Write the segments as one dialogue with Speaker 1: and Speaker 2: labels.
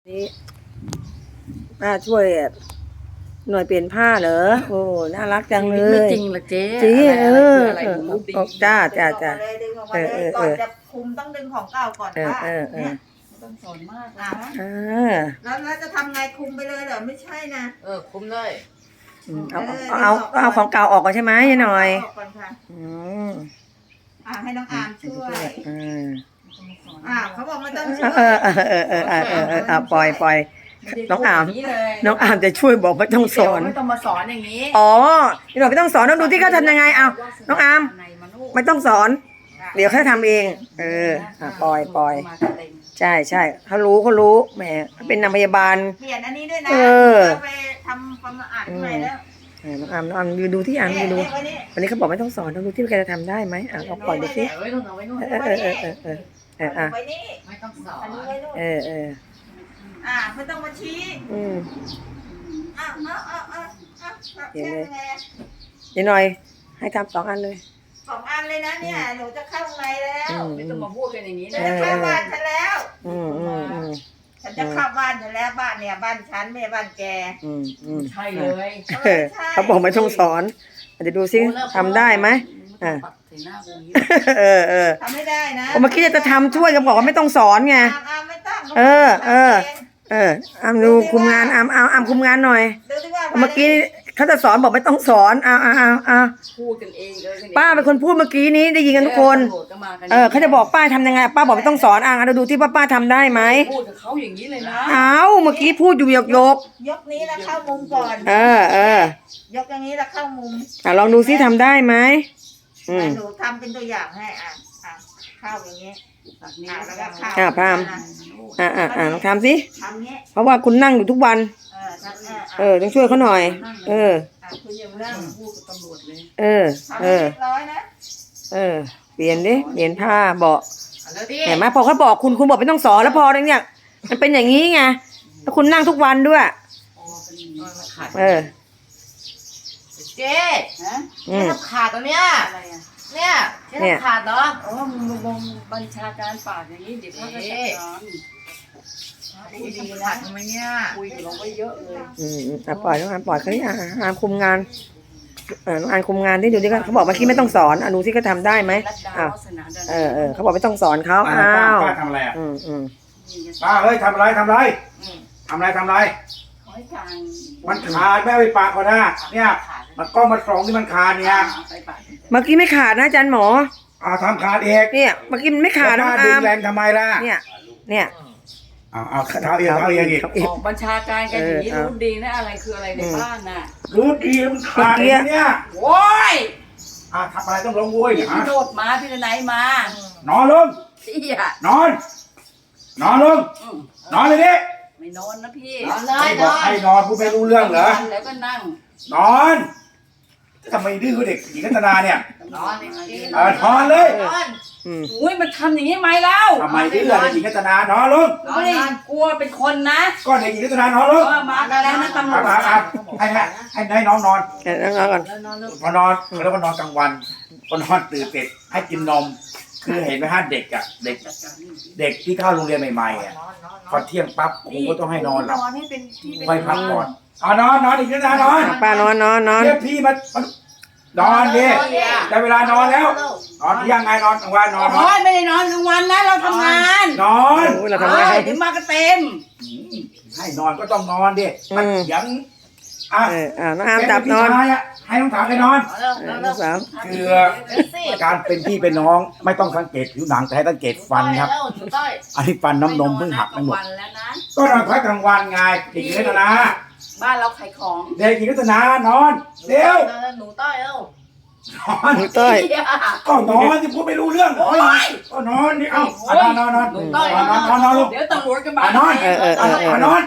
Speaker 1: นี่ป้าช่วยหน่วยเปลี่ยนผ้าเหรอโอ้น่ารักจังเลย
Speaker 2: ไม่จริงหรอเจ๊
Speaker 1: จริง
Speaker 2: อะไรรู้ดี
Speaker 1: จ้า
Speaker 3: ดึงออกมาเลยก่อนจะคุมต้องดึงของเก่าก่อนว่าเนี่ย
Speaker 2: ต้องสอนมากนะ
Speaker 3: แล้วจะทำไงคุมไปเลยเหรอไม่ใช่นะ
Speaker 2: คุมได้
Speaker 1: เอาของเก่าออกก่อนใช่ไหมยายหน่อย
Speaker 3: ออกก่อนค่ะให้น้องอามช่วยเขาบอกไม่ต้องช่วย
Speaker 1: ปล่อยน้องอามจะช่วยบอกไม่ต้องสอน
Speaker 2: ไม่ต้องมาสอนอย่างนี้
Speaker 1: ยายหน่อยไม่ต้องสอนต้องดูที่เขาทำยังไงเอาน้องอามไม่ต้องสอนเดี๋ยวเขาทำเองปล่อยใช่เขารู้แหมเป็นนางพยาบาล
Speaker 3: เปลี่ยนอันนี้ด้วยนะไปทำความสะอาดใหม่แล้ว
Speaker 1: น้องอามดูที่อามดูวันนี้เขาบอกไม่ต้องสอนต้องดูที่แกจะทำได้ไหมเราปล่อยดูสิ
Speaker 2: ไม่ต้องเอาไว้นู่นไม่ต้องสอน
Speaker 3: ไม่ต้องมาชี้
Speaker 1: เดี๋ยวเลยเดี๋ยวหน่อยให้ทำ2 อันเลย
Speaker 3: 2 อันเลยนะเนี่ยหนูจะเข้าข้างในแล้ว
Speaker 2: ไม่ต้องมาพูดกันอย่างนี้นะ
Speaker 3: จะเข้าบ้านฉันแล้วฉันจะเข้าบ้านฉันแล้วบ้านเนี่ยบ้านฉันไม่บ้านแก
Speaker 2: ใช่เลย
Speaker 1: เขาบอกไม่ต้องสอนจะดูซิทำได้ไหม
Speaker 3: ทำไม่ได้นะ
Speaker 1: เมื่อกี้จะทำช่วยก็บอกว่าไม่ต้องสอนไง
Speaker 3: ไม่ต้อง
Speaker 1: อามดูคุมงานอามคุมงานหน่อยเมื่อกี้เขาจะสอนบอกไม่ต้องสอน
Speaker 2: พูดกันเอง
Speaker 1: ป้าเป็นคนพูดเมื่อกี้นี้ได้ยินกันทุกคนเขาจะบอกป้าทำยังไงป้าบอกไม่ต้องสอนเราดูที่ป้าทำได้ไหม
Speaker 2: พูดกับเขาอย่างนี้เลยนะ
Speaker 1: เมื่อกี้พูดอยู่ยก
Speaker 3: นี้แล้วเข้ามุมก่อนยกอย่างนี้แล้วเข้ามุม
Speaker 1: ลองดูซิทำได้ไหม
Speaker 3: หนูทำเป็นตัวอย่างให้เข้าอย่างนี้แล้วก็
Speaker 1: เข้าพามลองทำสิเพราะว่าคุณนั่งอยู่ทุกวันต้องช่วยเขาหน่อย
Speaker 3: คุณยังนั่งพูดกับตำรวจเลย
Speaker 1: เรียบร้อยนะเปลี่ยนผ้าบอกเห็นไหมพอเขาบอกคุณบอกไม่ต้องสอนแล้วพอเนี่ยมันเป็นอย่างนี้ไงแล้วคุณนั่งทุกวันด้วย
Speaker 2: เจ๊ขาดตรงเนี้ยเนี่ยขาดเหรอบัญชาการปากอย่างนี้เดี๋ยวเขาจะจัดการคุยดีนะทำไมเนี่ยคุยกับเราไว้เยอะเลย
Speaker 1: ปล่อยน้องอามปล่อยเขาที่อามคุมงานน้องอามคุมงานที่ดูดิเขาบอกเมื่อกี้ไม่ต้องสอนดูที่เขาทำได้ไหมเขาบอกไม่ต้องสอนเขา
Speaker 4: ป้าทำอะไรป้าเฮ้ยทำอะไรมันขาดไม่เอาไปปากก่อนนะเนี่ยมันก็มาส่องที่มันขาดเนี่ย
Speaker 1: เมื่อกี้ไม่ขาดนะอาจารย์หมอ
Speaker 4: ทำขาดเอง
Speaker 1: เนี่ยเมื่อกี้มันไม่ขาดนะ
Speaker 4: ดึงแรงทำไมล่ะ
Speaker 1: เนี่ย
Speaker 4: เอาเท้าเองอีก
Speaker 2: บัญชาการกันอย่างนี้รู้ดีนะอะไรคืออะไรในบ้านน่ะ
Speaker 4: รู้ดีมันขาดเนี่ย
Speaker 2: โว้ย
Speaker 4: ทำอะไรต้องลงโว้ย
Speaker 2: พี่โดดมาพี่ไหนมาน
Speaker 4: อนลงนอนลงนอนเลยดิ
Speaker 2: ไม่นอนนะพี่
Speaker 4: ให้นอนพูดไม่รู้เรื่องเหรอ
Speaker 2: แล้วก็นั่ง
Speaker 4: นอนทำไมดื้อเด็กหญิงรัตนาเนี่ย
Speaker 2: นอน
Speaker 4: เลย
Speaker 2: อุ้ยมันทำอย่างนี้ไหมเล่า
Speaker 4: ทำไมดื้อเด็กหญิงรัตนานอนลง
Speaker 2: กลัวเป็นคนนะ
Speaker 4: ก็เด็กหญิงรัตนานอนลง
Speaker 2: มาแล้วนะตำรวจ
Speaker 4: ให้น้องนอน
Speaker 1: ก่อน
Speaker 4: พอนอนแล้วก็นอนกลางวันพอนอนตื่นเสร็จให้กินนมคือเห็นไหมฮะเด็กที่เข้าโรงเรียนใหม่ๆพอเที่ยงปั๊บครูก็ต้องให้นอนหลับค่อยพักก่อนนอนอีกนิดนะนอน
Speaker 1: ป้านอน
Speaker 4: เรียกพี่มานอนดิได้เวลานอนแล้วนอนยังไงนอนกลางวันนอน
Speaker 2: ไม่ได้นอนกลางวันนะเราทำงาน
Speaker 4: นอน
Speaker 1: เราทำงาน
Speaker 2: ถึงมาก็เต็ม
Speaker 4: ให้นอนก็ต้องนอนดิมันยัง
Speaker 1: น้องอามจับนอน
Speaker 4: ให้น้องถามไปนอนคือการเป็นพี่เป็นน้องไม่ต้องสังเกตผิวหนังแต่ให้สังเกตฟันครับอันนี้ฟันน้ำนมเพิ่งหักไปหมดก็นอนพักกลางวันไงเด็กหญิงรัตนา
Speaker 2: บ้านเราขายของ
Speaker 4: เด็กหญิงรัตนานอนเร็ว
Speaker 2: หนูต้อย
Speaker 1: หนูต้อย
Speaker 4: ก็นอนที่พูดไม่รู้เรื่องก็นอนนี่นอน
Speaker 2: หนูต้อยเดี๋ยวตำรวจกันมาน
Speaker 4: อนนอน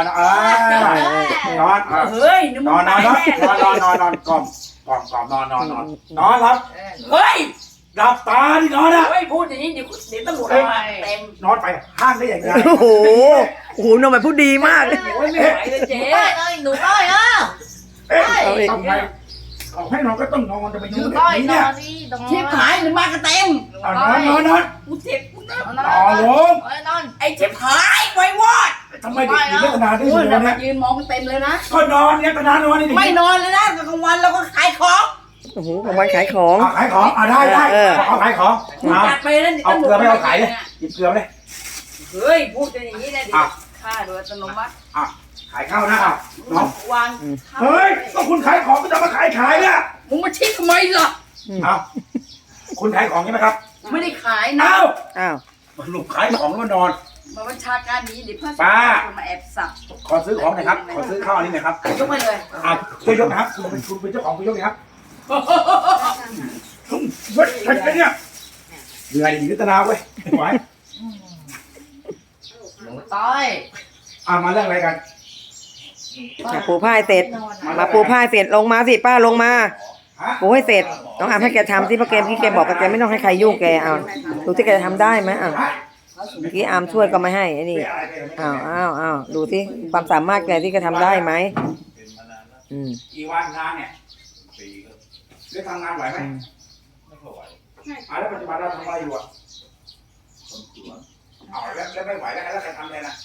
Speaker 2: เฮ้ย
Speaker 4: นอนกล่อมรับ
Speaker 2: เฮ้ย
Speaker 4: หลับตาดินอน
Speaker 2: เฮ้ยพูดอย่างนี้เดี๋ยวตำรวจมาเต็ม
Speaker 4: นอนไปห้างได้อย่างไร
Speaker 1: โอ้โหนอนแบบผู้ดีมากเลย
Speaker 2: ไม่ไหวเลยเจ๊
Speaker 3: หนูต้อย
Speaker 4: ทำไมเขาให้นอนก็ต้องนอนจะไป
Speaker 2: หนู
Speaker 4: ยืด
Speaker 2: ต้อยน
Speaker 4: เนี่
Speaker 2: อย นดินอน
Speaker 3: ชิบหายหรือมากระเต็ม
Speaker 4: เอานอน
Speaker 3: กูเจ็บกูนะ
Speaker 2: นอน
Speaker 4: ต่อลง
Speaker 2: นอน
Speaker 3: ไอ้ชิบหายไว้วอด
Speaker 4: ทำไมเด็กหญิงรัตนาได้
Speaker 3: โอ้
Speaker 4: ยิ
Speaker 3: ย
Speaker 4: น
Speaker 3: แล้ว
Speaker 4: เนี่ย
Speaker 3: ยืนมองมันเต็มเลยนะ
Speaker 4: ก็นอนเนี่ยรัตนานอนนี่
Speaker 3: ไม่นอนเลยนะกลางวันเราก็ขายของ
Speaker 1: โอ้โหกลางวันขายของ
Speaker 4: ขายของได้เอาขายของ
Speaker 3: จัดไปแล้ว
Speaker 4: เอาเกลือไม่เอาขายเลยหยิบเกลือไปเลย
Speaker 3: เฮ้ยพูดจะอย่างนี้นะดิค่าโดยอัตโนมัติ
Speaker 4: ขายข้าวนะน้อง
Speaker 3: วาง
Speaker 4: เฮ้ยก็คุณขายของก็จะมาขายเนี่ย
Speaker 3: มึงมาชี้ทำไมล่ะ
Speaker 4: เอาคุณขายของใช่ไหมครับ
Speaker 3: ไม่ได้ขายนะ
Speaker 4: เอ้า
Speaker 1: อ้าว
Speaker 4: หนุ่มขายของแล้วมานอน
Speaker 3: มาบัญชาการนี้เดี๋ยวเพื่อน
Speaker 4: ป้า
Speaker 3: มาแอบสับ
Speaker 4: ขอซื้อของหน่อยครับขอซื้อข้าวอันนี้หน่อยครับ
Speaker 3: ยกไปเลย
Speaker 4: ช่วยยกนะครับคุณเป็นเจ้าของคุณยกนะครับเฮ้ยใครเป็นเนี่ยเหนื่อยดีรัตนาเว้ยไม่ไหว
Speaker 2: หนูต้อย
Speaker 4: มาเรื่องอะไรกัน
Speaker 1: มาปูผ้าให้เสร็จ มาปูผ้าให้เสร็จลงมาสิป้าลงมาปูให้เสร็จน้องอามให้แกทำที่พ่อแกพี่แกบอกกับแกไม่ต้องให้ใครยุ่งแกเอาดูที่แกจะทำได้ไหมอ้าวเมื่อกี้อามช่วยก็ไม่ให้ไอ้นี่อ้าวดูที่ความสามารถแกที่แกทำได้ไหม
Speaker 4: กี่วันงานเนี่ยได้ทำงานไหวไหมไม่ไหวแล้วปัจจุบันเราทำอะไรอยู่แล้วไม่ไหวแล้วใครทำเลยนะ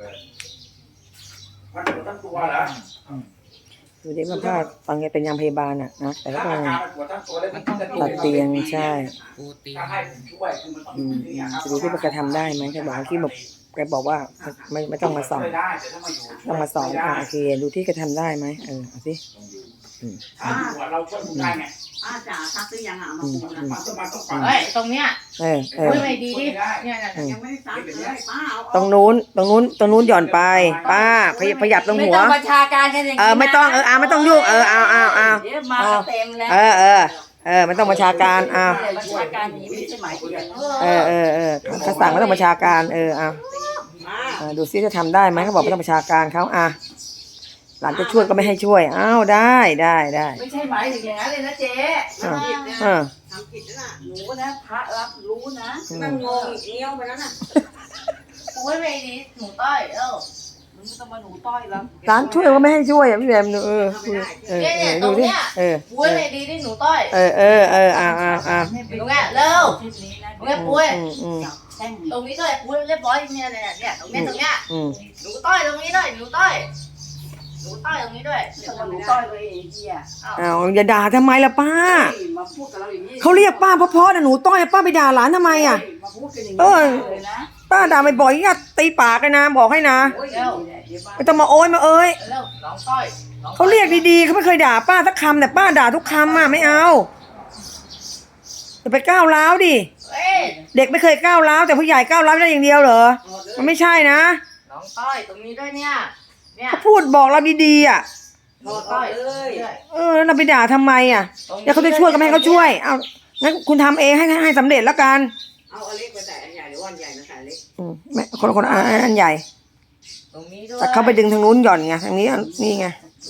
Speaker 4: มันปวดทั้งตัวเหรอ
Speaker 1: ดูดิมันพลาดตอนแกเป็นยามพยาบาลนะแต่ก็ต้อง
Speaker 4: ปวดทั้งตัวแล้วมันต้อง
Speaker 1: ตัดเตียงใช่
Speaker 4: ถ้าให้ผมช่วยคือมันต้อง
Speaker 1: จะดูที่ว่าแกทำได้ไหมแกบอกที่บอกแกบอกว่าไม่ต้องมาสอน
Speaker 4: ไม่ได้แต่ถ้ามาอยู่
Speaker 1: ต้องมาสอนโอเคดูที่แกทำได้ไหมเอาสิ
Speaker 4: ถ้าอยู่เราช่วยคุณได้ไง
Speaker 3: จ๋าซักหรือยังอ่ะมาปูนะ
Speaker 4: มันต้องฟัง
Speaker 2: เฮ้ยตรงเนี้ย
Speaker 1: เออ
Speaker 2: พูดไม่ดีดิเนี่ยนะ
Speaker 3: ยังไม่ได้ซักเลยป้าเอา
Speaker 1: ตรงนู้นหย่อนไปป้าขยับตรงหัว
Speaker 3: ไม่ต้องบัญชาการกันอย่างนี้
Speaker 1: ไม่ต้องไม่ต้องยุ่งเอา
Speaker 3: เดี๋ยวมาเต็มแล้ว
Speaker 1: ไม่ต้องบัญชาการ
Speaker 3: บัญชาการนี้ไม่ใช่หมายถึง
Speaker 1: เขาสั่งไม่ต้องบัญชาการดูซิจะทำได้ไหมเขาบอกไม่ต้องบัญชาการเขาหลานจะช่วยก็ไม่ให้ช่วยอ้าวได้
Speaker 3: ไม่ใช่หมายถึงอย่างนั้นเลยนะเจ๊ทำผิดนะทำผิดนะหนูนะพระรับรู้นะนั่งงงเงี้ยวไปแล้วน่ะ
Speaker 2: พูดไม่ดีหนูต้อย
Speaker 3: มึงต้องมาหนูต้อยแล้ว
Speaker 1: หลานช่วยก็ไม่ให้ช่วยพี่แบมดู
Speaker 2: เนี่ยต
Speaker 1: ดู
Speaker 2: รง
Speaker 1: ดิ
Speaker 2: เนี้ยพูดไม่ดีดิหนูต้อยหนูแง่เร็วหนูแง่ปุ้ยตรงนี้ด้วยปุ้ยเรียบร้อยเนี่ยตรงเนี้ยหนูต้อยตรงนี้ด้วยหนูต้อยตรงนี้ด้วย
Speaker 3: หนูต้อยเลยไอ้เหี้ย
Speaker 1: อย่าด่าทำไมล่ะป้า
Speaker 3: มาพูดกับเราอย่างนี้
Speaker 1: เขาเรียกป้าเพราะๆนะหนูต้อยป้าไปด่าหลานทำไม
Speaker 3: มาพูดกันอย่างนี้เลยนะ
Speaker 1: ป้าด่าบ่อยๆอย่าตีปากกันนะบอกให้นะไม่ต้องมาโอยมาเอ้ย
Speaker 2: เร็วน้องต้อย
Speaker 1: เขาเรียกดีๆเขาไม่เคยด่าป้าสักคำแต่ป้าด่าทุกคำไม่เอาอย่าไปก้าวร้าวดิเด็กไม่เคยก้าวร้าวแต่ผู้ใหญ่ก้าวร้าวได้อย่างเดียวเหรอมันไม่ใช่นะ
Speaker 2: น้องต้อยตรงนี้ด้วยเนี่ย
Speaker 1: เขาพูดบอกเราดีๆ
Speaker 2: น้องต้อย
Speaker 1: แล้วเราไปด่าทำไมแล้วเขาจะช่วยก็ไม่ให้เขาช่วยเอางั้นคุณทำเองให้สำเร็จแล้วกัน
Speaker 3: เอาอันเล็กไปใส่อันใหญ่หรือว่าอันใหญ่มาใส่เล็ก
Speaker 1: ไม่คนอันใหญ่
Speaker 2: ตรงนี้ด้วย
Speaker 1: แต่เขาไปดึงทางนู้นหย่อนไงทางนี้นี่ไง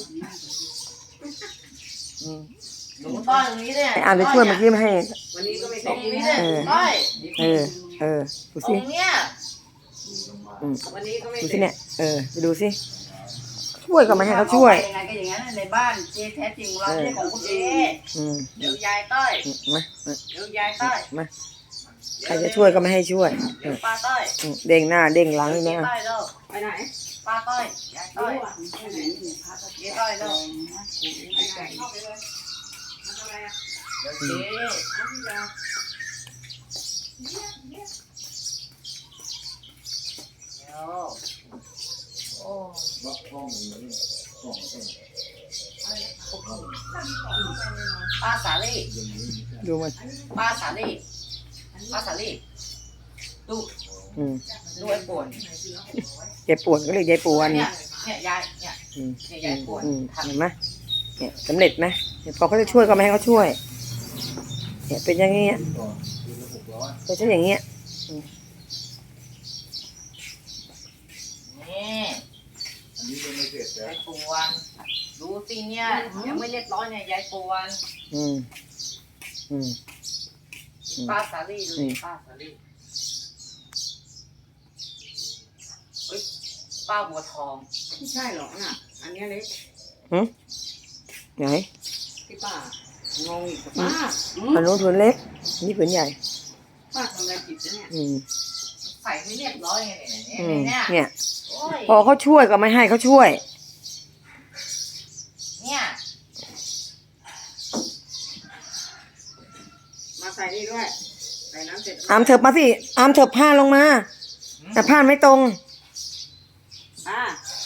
Speaker 2: หนูต้อยตรงนี้เนี่ย
Speaker 1: อ่านจะช่วยเมื่อกี้ไม่ให้
Speaker 3: วันนี้ก็ไม่
Speaker 2: ตร
Speaker 3: ใส่
Speaker 2: งนี้เนี่ยต้อย
Speaker 1: ดู
Speaker 2: ตร
Speaker 1: สิ
Speaker 2: งเนี้ย
Speaker 3: วันนี้ก็ไม่
Speaker 1: ดูสิเนี่ยไปดูสิช่วยก็ไม่ให้เขาช่วย
Speaker 3: ยังไงก็อย่างนั้นในบ้านเจ๊แท้จริงเราไม่ของคุณเจ๊เดี๋ยวยายต้อยเดี๋ยวยายต้อย
Speaker 1: มาใครจะช่วยก็ไม่ให้ช่วย
Speaker 3: เดี๋ยวป้าต้อย
Speaker 1: เด้งหน้าเด้งหลังนี่นะ
Speaker 3: ต้อยเร็วไปไหนป้าต้อยยายต้อยเจ๊ต้อยเร็วเข้าไปเลยทำอะไรอ่ะ
Speaker 2: เดี๋ยวเจ๊ป้าสาลี่
Speaker 1: ดูมัน
Speaker 2: ป้าสาลี่ดูไอ้ป่วน
Speaker 1: ยายปวดก็เรียกยายปวน
Speaker 2: เนี่ยยายยายป่วน
Speaker 1: เห็นไหมเนี่ยสำเร็จไหมพอเขาจะช่วยก็ไม่ให้เขาช่วยเนี่ยเป็นอย่างเงี้ยเป็นเช่นอย่างเงี้ย
Speaker 2: นี่ยายป่วนดูสิเนี่ยยังไม่เรียบร้อยเนี่ยยายป่วนป้าสาลี่ดูดิป้าสาลี่ป้าบัวทอง
Speaker 3: ไม่ใช่หรอกน่ะอันนี้เล็ก
Speaker 1: ไหน
Speaker 3: ที่ป้างงอีกป้า
Speaker 1: อันนู้นผืนเล็กนี่ผืนใหญ่
Speaker 3: ป้าทำอะไรผิดนะเนี่ย
Speaker 1: อืม
Speaker 2: ใส่ไม่เรียบร้อยไง
Speaker 1: อืม
Speaker 2: เนี่ย
Speaker 1: เนี่ย
Speaker 2: โอ้ย
Speaker 1: พอเขาช่วยก็ไม่ให้เขาช่วย
Speaker 2: เนี่ย
Speaker 3: มาใส่นี่ด้วยใส่น้ำเสร็จ
Speaker 1: อามเถิบมาสิอามเถิบผ้าลงมา แต่ผ้าไม่ตรง
Speaker 3: ป้า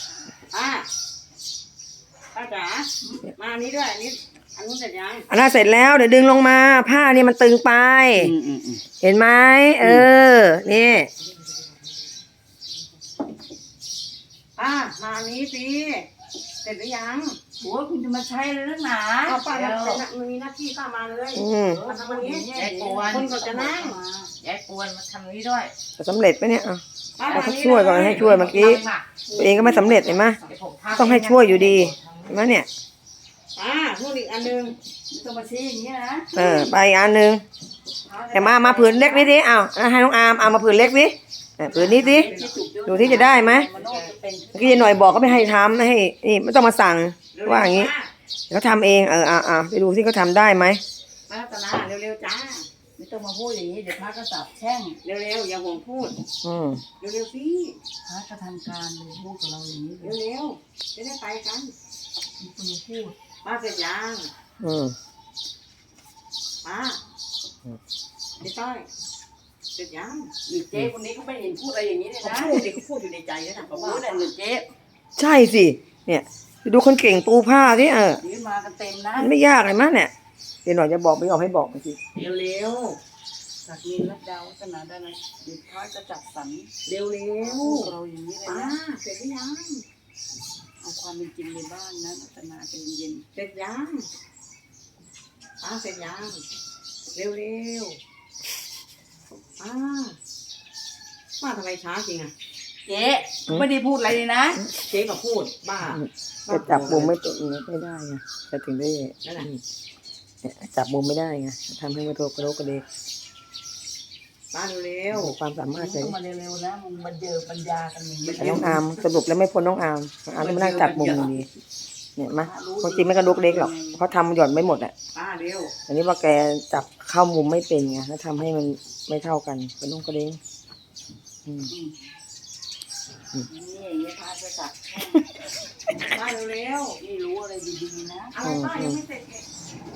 Speaker 3: จ๋ามาอันนี้ด้วยอันนี้อันนู้นเสร็จยัง
Speaker 1: อันนั้นเสร็จแล้วเดี๋ยวดึงลงมา ผ้านี่มันตึงไป เห็นไหมเออ นี่
Speaker 3: ป้ามาอันนี้สิเสร็จหรือยัง
Speaker 2: โอ้ยคุณจะมาใช้เลยนักหนา
Speaker 3: เอาป้า
Speaker 2: เดี๋ยว
Speaker 3: มันมีหน้าที่ป้ามาเลย
Speaker 1: อืม
Speaker 3: มาทำอันนี้
Speaker 2: ยายปวน
Speaker 3: คนก็จะนั่ง
Speaker 2: ยายปวนมาทำนี้ด้วย
Speaker 1: สำเร็จไหมเนี่ยอ่ะ
Speaker 3: ป้า
Speaker 1: เราต้องช่วยก่อนให้ช่วยเมื่อกี้ตัวเองก็ไม่สำเร็จเห็นไหมต้องให้ช่วยอยู่ดีเห็นไหมเนี่ย
Speaker 3: ป้าพูดอีกอันนึงต้องมาชี้อย่างนี้นะ
Speaker 1: เออไปอีกอันหนึ่งแต่มาผืนเล็กนิดดิเอาให้น้องอาร์มเอามาผืนเล็กดิผืนนี้ดิดูที่จะได้ไหมเมื่อกี้หน่อยบอกก็ไม่ให้ทำไม่ให้นี่ไม่ต้องมาสั่งว่าอย่างนี้เขาทำเองไปดูที่เขาทำได้ไหม
Speaker 3: ป้ารัตนาเร็วๆจ้า
Speaker 2: ไม่ต้องมาพูดอย่างนี้เดี๋ยวพระก็สับแช่ง
Speaker 3: เร็วๆอย่าห่วงพูด
Speaker 1: อืม
Speaker 3: เร็วๆสิ
Speaker 2: พระก็ทำการเลยพูดกับเราอย่างนี้เลย
Speaker 3: เร็วๆจะได้ไปกัน
Speaker 2: มีคนมาพูด
Speaker 3: ป้าเสร็จยัง
Speaker 1: อืม
Speaker 3: ป้าเจ๊ต้อยเสร็จยัง
Speaker 2: หรือเจ๊คนนี้ก็ไม่เห็นพูดอะไรอย่างนี้เลย
Speaker 3: เขา
Speaker 2: นะ
Speaker 3: พูดดิเขาพูดอยู่ในใจนะเขา
Speaker 2: พู
Speaker 3: ว่า
Speaker 2: ดแต่หรือเจ๊
Speaker 1: ใช่สิเนี่ยดูคนเก่งปูผ้าที่
Speaker 2: นี่มากันเต็มนะ
Speaker 1: มันไม่ยากเลยมั้งเนี่ยเดี๋ยวหน่อยจะบอกไม่ยอมให้บอกเมื่อกี้
Speaker 3: เร็ว
Speaker 2: จากนินรัตดาววัฒนาได้นะเดี๋ยวพระจะจัดสรร
Speaker 3: ๆเร็ว
Speaker 2: พูดกับเราอย่างนี้เลย
Speaker 3: ๆป้า
Speaker 2: นะ
Speaker 3: เสร็จหรือยัง
Speaker 2: เอาความเป็นจริงในบ้านนะรัตนาใจเย็น
Speaker 3: เสร็จยังป้าเสร็จยังเร็วๆป้าทำไมช้าจริงอ่ะ
Speaker 2: เจ๊ไม่ได้พูดอะไรเลยนะ
Speaker 3: เจ๊ก็พูดบ้า
Speaker 1: จะจับมุมไม่ตรงไม่ได้ไงจะถึงได้จับมุมไม่ได้ไงทำให้มันโตกระโดกกระเดก
Speaker 3: ป้าเร็ว
Speaker 1: ความสามารถ
Speaker 2: ต้
Speaker 1: ใช่
Speaker 2: องมาเร็วๆนะมึงมาเจอปัญญากันอย่างนี้
Speaker 1: แต่น้องอาร์มสรุปแล้วไม่พ้นน้องอาร์มต้องมานั่งจับมุมอยู่ดีเนี่ยมาความจริงไม่กระโดกเล็กหรอกเพราะทำหย่อนไม่หมดอ่ะ
Speaker 3: ป้าเร็ว
Speaker 1: อันนี้ว่าแกจับเข้ามุมไม่เป็นไงแล้วทำให้มันไม่เท่ากันเป็นน้องกระเด้ง
Speaker 2: นี่อย่างนี้พระจะจัด
Speaker 3: ป้าเร็ว
Speaker 2: นี่รู้อะไรดีๆนะ
Speaker 3: ๆอะไรป้ายังไม่เสร็จเลย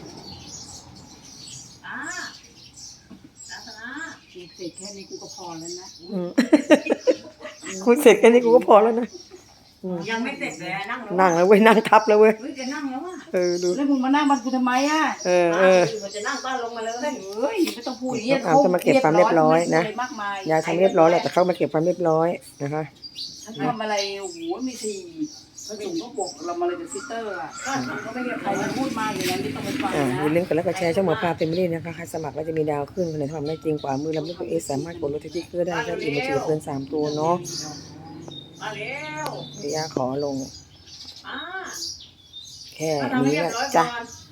Speaker 3: ป้ารัตนา
Speaker 2: เสร็จแค่นี้กูก็พอแล้วนะ
Speaker 1: คุยเสร็จแค่นี้กูก็พอแล้วนะ
Speaker 3: ยังไม่เสร็จเลยนั่งแล้ว
Speaker 1: นั่งแล้วเว้ยนั่งทับแล้วเว้ย
Speaker 3: เฮ้ยจะนั่งแล้วอ่ะ
Speaker 1: ดู
Speaker 2: แล้วมึงมานั่งบ้านกูทำไมอ่ะ
Speaker 3: มันจะนั่งป้าลงมาเลย
Speaker 2: เฮ้ยไม่ต้องพูดอย่างนี้
Speaker 1: อาจะมาเก็บความเรียบร้อยนะ
Speaker 2: มากมาย
Speaker 1: ยายทำเรียบร้อยแหละแต่เขามาเก็บความเรียบร้อยนะคะ
Speaker 2: ฉันทำอะไรโอ้โหมีทีพระสงฆ์ก็บอกเรามาเลยเป็นซิสเตอร์อ่ะก็ไม่มีใครมาพูดมาอย่างนั้นไม่ต้องไปฟังนะ
Speaker 1: อย่าลืมกดไลค์กดแชร์ช่องหมอปลาเป็นไม่ได้นะคะใครสมัครแล้วจะมีดาวขึ้นคนไหนทำได้จริงกว่ามือลำลูกเอสสามารถกดรถแท็กซี่เกอร์ได้ถ้าอีกมาถือเกิน3 ตัวเนาะ
Speaker 3: มาเร็ว
Speaker 1: เดี๋ยวย่าขอลง
Speaker 3: ป้า
Speaker 1: แค่
Speaker 3: ป้าทำให้
Speaker 1: นี้
Speaker 3: เรียบ
Speaker 1: นะ
Speaker 3: ร้อยก่
Speaker 1: จ้ะ
Speaker 3: อน